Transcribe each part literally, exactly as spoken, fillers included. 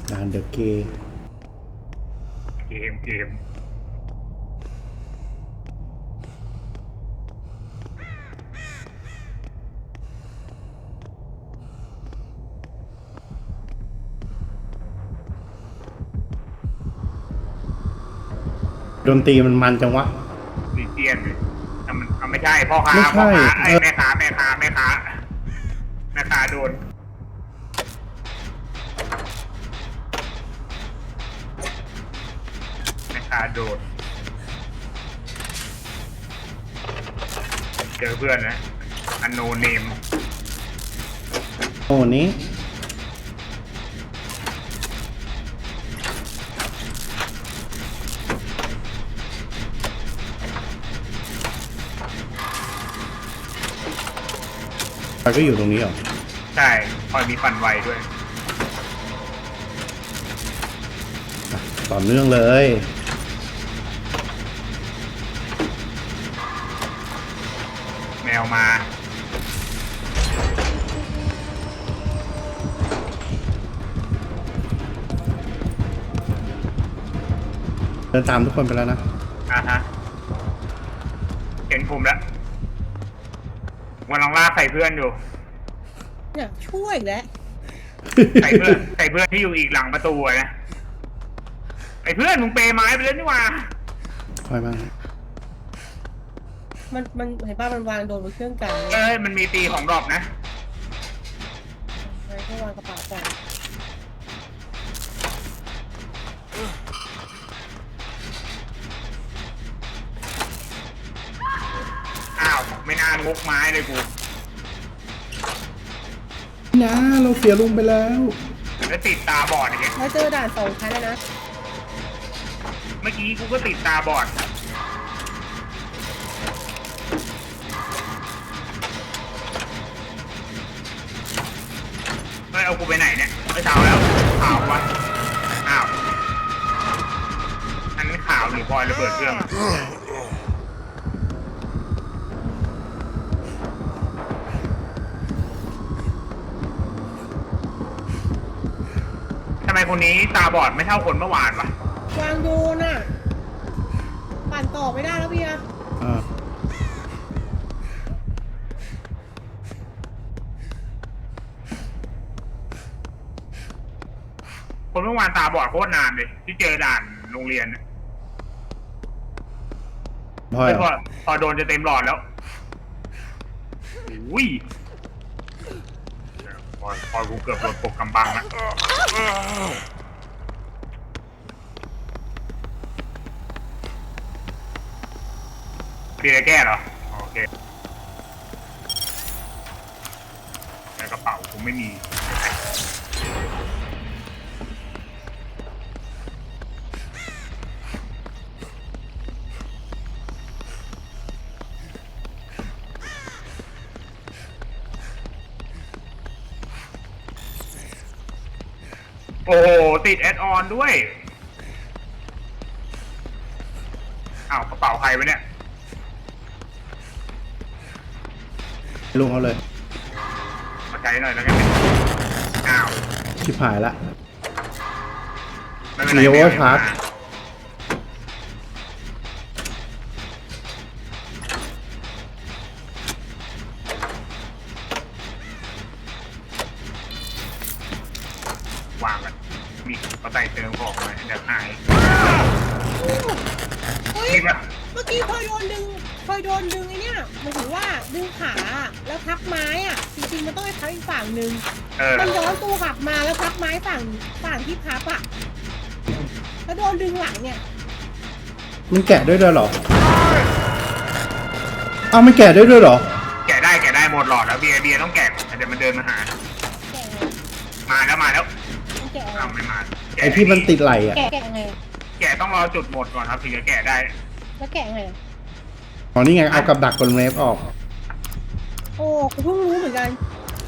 ด่านเดอะเกย์เกมเกมดนตรีมันมันจังวะดีเจียนเลยแต่มันเอาไม่ใช่พ่อค้าไม่ใช่พ่อค้าไอ้แม่ค้าแม่ค้าแม่ค้าแม่ค้าโดนแม่ค้าโดนเจอเพื่อนนะอันโนเนมโอ้นี้มันก็อยู่ตรงนี้เหรอใช่คอยมีปั่นไวด้วยต่อเนื่องเลยแมวมาเดินตามทุกคนไปแล้วนะอ่ะฮะเห็นผมแล้ววันลองลากใส่เพื่อนอยู่อยากช่วยแล้วใส่เพื่อนใส่เพื่อนที่อยู่อีกหลังประตูนะไอ้เพื่อนมึงเปย์ไม้ไปแล้วนี่ว่าค่อยมามันมันเห็นป่ะมันวางโดนบนเครื่องกันเอ้ยมันมีตีของดรอปนะใช่ก็วางกระเป๋าก่อนอ้าวไม่นานงกไม้เลยกูนะเราเสียลุงไปแล้วแล้วติดตาบอดอย่างเงี้ยแล้วเจอด่านสองชั้นแล้วนะเมื่อกี้กูก็ติดตาบอดเฮ้ยเอากูไปไหนเนี่ยไม่เช้าแล้วข่าววะอ้าวอันนี้ข่าวหรือพลอยระเบิดเครื่องทำไมคนนี้ตาบอดไม่เท่าคนเมื่อวานวะวางโดนอ่ะปั่นต่อไม่ได้แล้วเบียร์คนเมื่อวานตาบอดโคตรนานเลยที่เจอด่านโรงเรียนพอพอพอโดนจะเต็มหลอดแล้วอุ้ยพอพอกูเกือบโดนปกกำบังแล้วเบียร์แก้เหรอโอเคในกระเป๋ากูไม่มีโอ้โหติดแอดออนด้วยอ้าวกระเป๋าใครวะเนี่ยลุงเอาเลยมาใจหน่อยแล้วกันอ้าวชิบหายละไม่เป็นไรมีโอเวอร์ชาร์จวางกันมีกระต่ายเติมของมาเดี๋ยวหายเฮ้ยเมื่อกี้พลอยโดนดึงพลอยโดนดึงไอ้นี่หมายถึงว่าดึงขาแล้วพักไม้อ่ะจริงๆมันต้องไปพักอีกฝั่งหนึ่งมันย้อนตัวกลับมาแล้วพักไม้ฝั่งฝั่งที่พับอ่ะแล้วโดนดึงหลังเนี่ยมันแกะด้วยด้วยเหรออ้าวไม่แกะด้วยด้วยเหรอแกะได้แกะได้หมดหลอดแล้วเบียร์เบียร์ต้องแกะเดี๋ยวมันเดินมาหามาแล้วมาแล้วแกะอ้าวไม่มาไอที่มันติดไหลอ่ะแกะไงแกะต้องรอจุดหมดก่อนครับถึงจะแกะได้แล้วแกะไงอ๋อนี่ไงเอากับดักกลเล็บออกโอ้กูเพิ่งรู้เหมือนกัน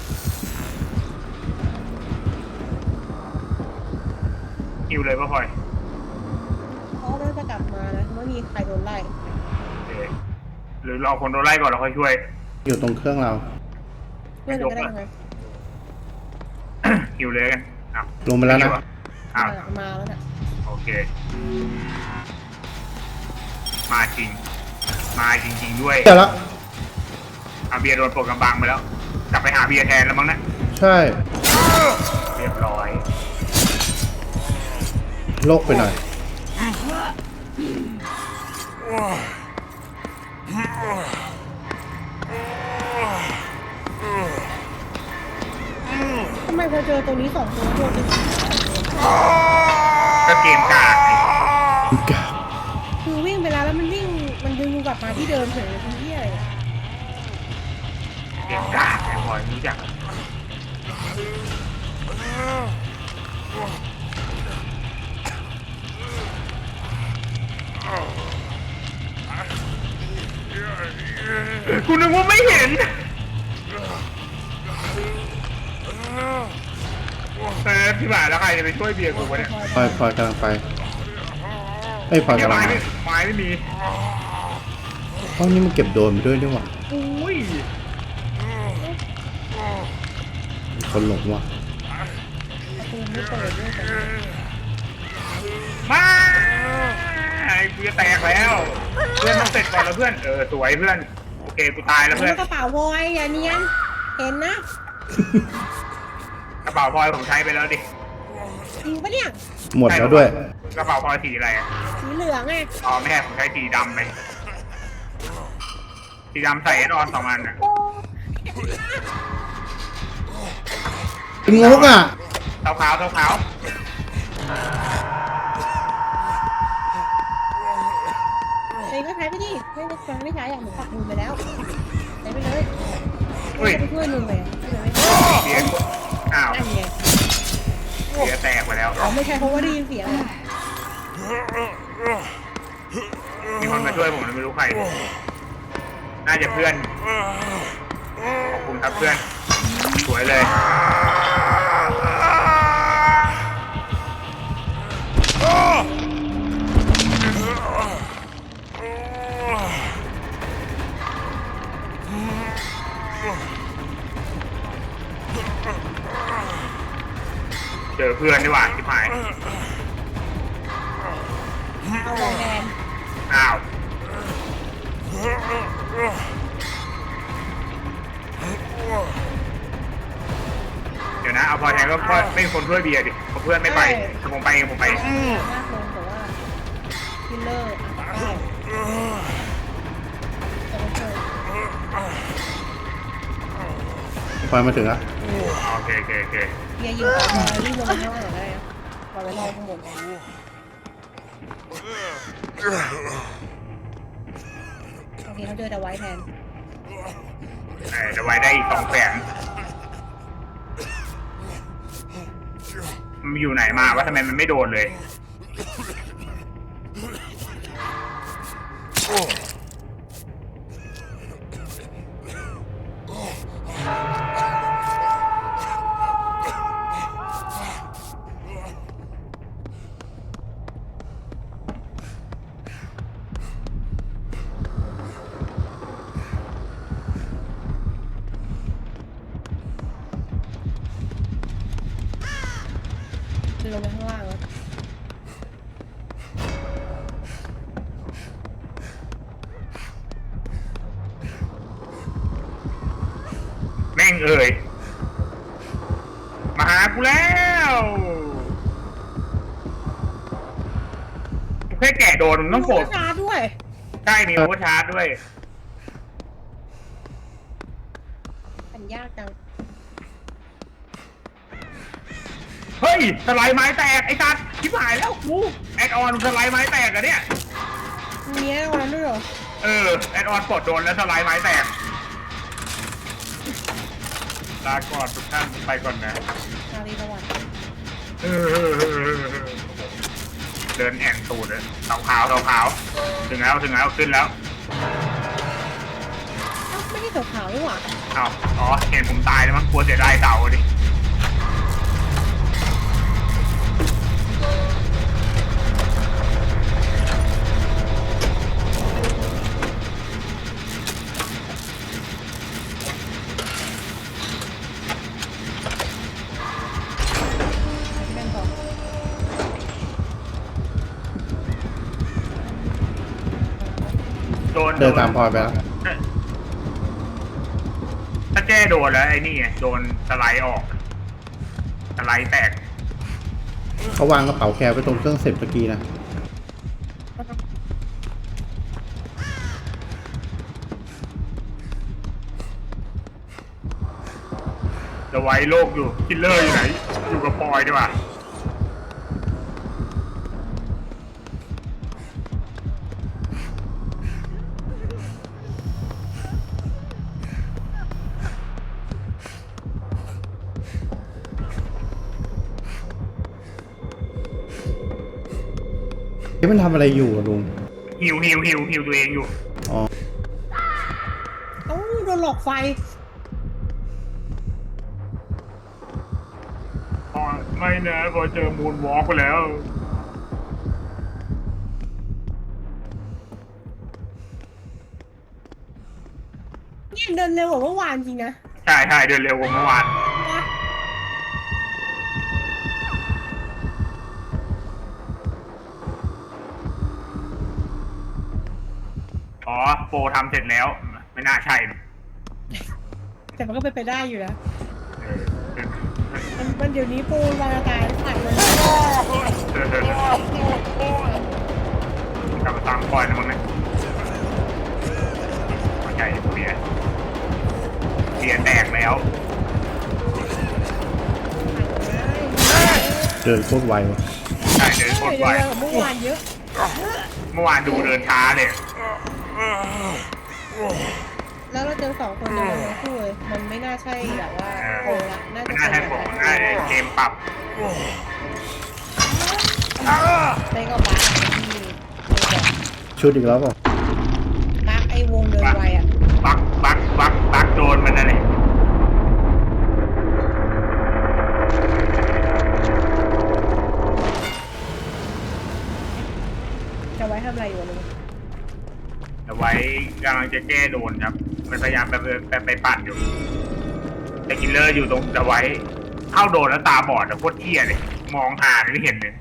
คิวเลยป่ะพลอยเขาไม่จะกลับมานะไม่มีใครโดนไล่หรือรอคนโดนไล่ก่อนเราค่อยช่วยอยู่ตรงเครื่องเราเพื่อนก็ได้ไงคิวเลยกันลงไปแล้วนะอ้าวมามาแล้วน่ะโอเค มาจริง มาจริง ๆ ด้วยแต่ละอาเบียร์โดนปลดกำบังไปแล้ว กลับไปหาเบียร์แทนแล้วมั้งนะใช่เรียบร้อยโลกไปหน่อยทำไมพอเจอตรงนี้สองตัวโดนดึงก็เกมกากไงคือวิ่งไปแล้วแล้วมันวิ่งมันดึงกลับมาที่เดิมเฉยเลยคือที่อะไรอะเกมกากไอ้พลอยรู้จักกูนึกว่าไม่เห็นเออพี่บ่าแล้วใครจะไปช่วยเบียร์กูวะเนี่ยพลอยพลอยกำลังไปไอ้ยพลอยเนี่ยกำลังไม้มาไม่ไม้ไม่มีห้องนี้มันเก็บโดรนไปด้วยนี่หว่าอุ้ยมีคนหลงว่ะประตูไม่เปิดด้วยกันมาไอ้กูจะแตกแล้ว เพื่อนต้องเสร็จก่อนแล้วเพื่อน เออสวยเพื่อน โอเคกูตายแล้วเพื่อนกระเป๋าวอยอย่าเนียนเห็นนะกระเป๋าพลอยผมใช้ไปแล้วดิจริงปะเนี่ยหมดแล้วด้วยกระเป๋าพลอยสีอะไรอะสีเหลืองไงอ๋อไม่ใช่ผมใช้สีดำไปสีดำใส่แอดออนสองอันอ่ะเป็นงกอ่ะเท้าขาวเท้าขาวเองก็ใช้ไปดิไม่ไม่ใช้ไม่ใช้อย่างหนูปักมือไปแล้วใช้ไปเลยเฮ้ยจะไปช่วยลุงเลยช่วยไม่ได้เสียอ้าวนั่นไงเสียแตกไปแล้วอ๋อไม่ใช่เพราะว่าได้ยินเสียงอะมีคนมาช่วยผมไม่รู้ใคร น่าจะเพื่อน ขอบคุณครับเพื่อน สวยเลย เจอเพื่อนดีกว่าที่หายเอาไว้แทนอ้าว เดี๋ยวนะ เอาพอแทนก็เพราะไม่มีคนช่วยเบียร์ดิเพราะเพื่อนไม่ไปแต่ผมไปเองผมไปเองมากลงแต่ว่าคิลเลอร์อ่ะได้จะไม่ช่วยพลอยมาถึงแล้วโอเคโอเคโอเคเบียร์ยิงต่อมาวิ่งลงมาข้างล่างหน่อยก็ได้นะปล่อยไว้รอข้างบนโอเคเขาเจอแต่ไว้แทนเออจะไว้ได้อีกสองแสนมันอยู่ไหนมาวะทำไมมันไม่โดนเลยลงไปข้างล่างแล้วแม่งเอ่ยมาหากูแล้วแค่แกะโดนมึงต้องโกรธลูกชาร์จด้วยใช่มีโอเวอร์ชาร์จด้วยอันยากจังเฮ้ยสไลด์ไม้แตกไอ้สัตว์ชิบหายแล้วกูแอดออนสไลด์ไม้แตกอะเนี่ยมีแน่วันนั้นด้วยเหรอเออแอดออนกดโดนแล้วสไลด์ไม้แตกลาก่อนทุกท่านไปก่อนนะนารีสวัสดิ์เออเดินแอนตูดเลยขาวขาวขาวขาวถึงแล้วถึงแล้วขึ้นแล้วเอ้าไม่ใช่ขาวๆนี่หว่าอ้าวอ๋อเห็นผมตายแล้วมั้งกลัวเสียดายเต่าดิเดินตามพลอยไปแล้วถ้าแจ้โดนแล้วไอ้นี่ไงโดนสไลด์ออกสไลด์แตกเขาวางกระเป๋าแคร์ไว้ตรงเครื่องเสร็จเมื่อกี้นะจะไว้โลกอยู่คิลเลอร์อยู่ไหนอยู่กับพลอยดีกว่าเฮ้ยมันทำอะไรอยู่อะลุงฮิวฮิวฮิวฮิวตัวเองอยู่อ๋อเอ้าโดนหลอกไฟอ๋อไม่นะพอเจอมูนวอล์กไปแล้วเนี่ยเดินเร็วกว่าเมื่อวานจริงนะใช่ใช่เดินเร็วกว่าเมื่อวานนะอ๋อโปรทำเสร็จแล้ว ไม่น่าใช่แต่มันก็เป็นไปได้อยู่นะเออมันมันเดี๋ยวนี้ปูนวางอากาศขายมันเออกลับมาตามก่อนนะมึงนะเข้าใจเบียร์เบียร์แตกแล้วเดินโคตรไววะใช่เดินโคตรเดี๋ยวไวเร็วกว่าเมื่อวานเยอะเมื่อวานดูเดินช้าเลยแล้วเราเจอสองคนเดินเร็วคู่เลยมันไม่น่าใช่แบบว่าโกงละน่าไม่จะน่าเป็ใช่นผมแบบน่าจะเกมปรับเต้ก็บักที่ชุดอีกแล้วเปล่าบักไอ้วงเดินไวอ่ะบักบักบักบักโดนมันอะไรจะไว้ทำอะไรอยู่ลุงแต่ไว้กำลังจะแก้โดนครับ มันพยายามไปไปไปปั่นอยู่แต่กิลเลอร์อยู่ตรงจะไว้เข้าโดนแล้วตาบอดอะโคตรเที่ยเลยมองหาไม่เห็นเลย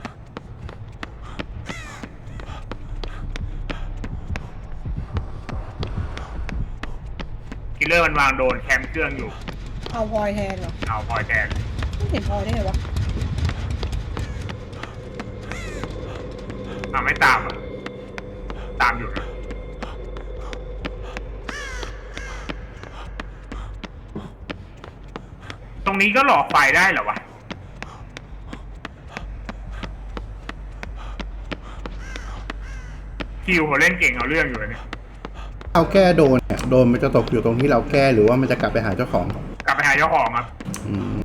กิลเลอร์มันวางโดนแคมเครื่องอยู่เอาพลอยแทนเหรอเอาพลอยแทนไม่เห็นพลอยได้ไงวะอ่าไม่ตามอ่ะตามอยู่นะตรงนี้ก็หลอกไฟได้เหรอวะคิวเขาเล่นเก่งเอาเรื่องอยู่เลยเนี่ยเอาแก้โดนเนี่ยโดนมันจะตกอยู่ตรงที่เราแก้หรือว่ามันจะกลับไปหาเจ้าของกลับไปหาเจ้าของครับอืม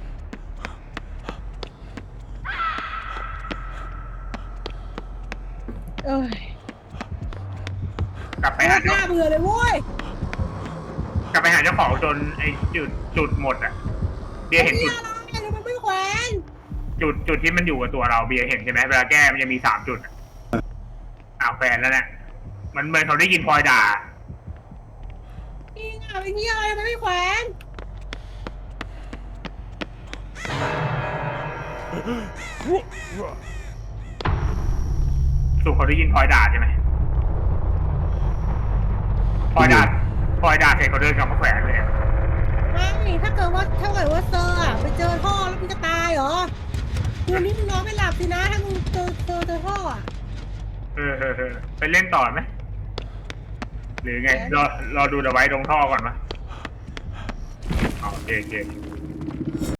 เอ้ยกลับไปไม่หาหเจ้าน้าเบื่อเลยเว้ยกลับไปหาเจ้าของจนไอ้จุดจุดหมดอ่ะเบียร์เห็นจุดไอ้เนี่ยมันไม่แขวนจุดจุดที่มันอยู่กับตัวเราเบียร์เห็นใช่ไหมเวลาแก้มันจะมีสามจุดอะอ้าวแฟนแล้วเนี่ยมันเหมือนเขาได้ยินพลอยด่าจริงอ่ะไอ้เนี่ยอะไรมันไม่แขวนสุเขาได้ยินพลอยด่าใช่ไหมพลอยด่าพลอยด่าเสร็จเขาเดินกลับมาแขวนเลยไม่ถ้าเกิดว่าถ้าเกิดว่าเซอร์อ่ะไปเจอท่อแล้วมันจะตายเหรอคืนนี้มึงนอนไม่หลับสินะถ้ามึงเจอเจอเจอท่ออ่ะเออเออเออไปเล่นต่อไหมหรือไงรอรอดูเดอะไว้ตรงท่อก่อนปะอ๋อโอเคโอเค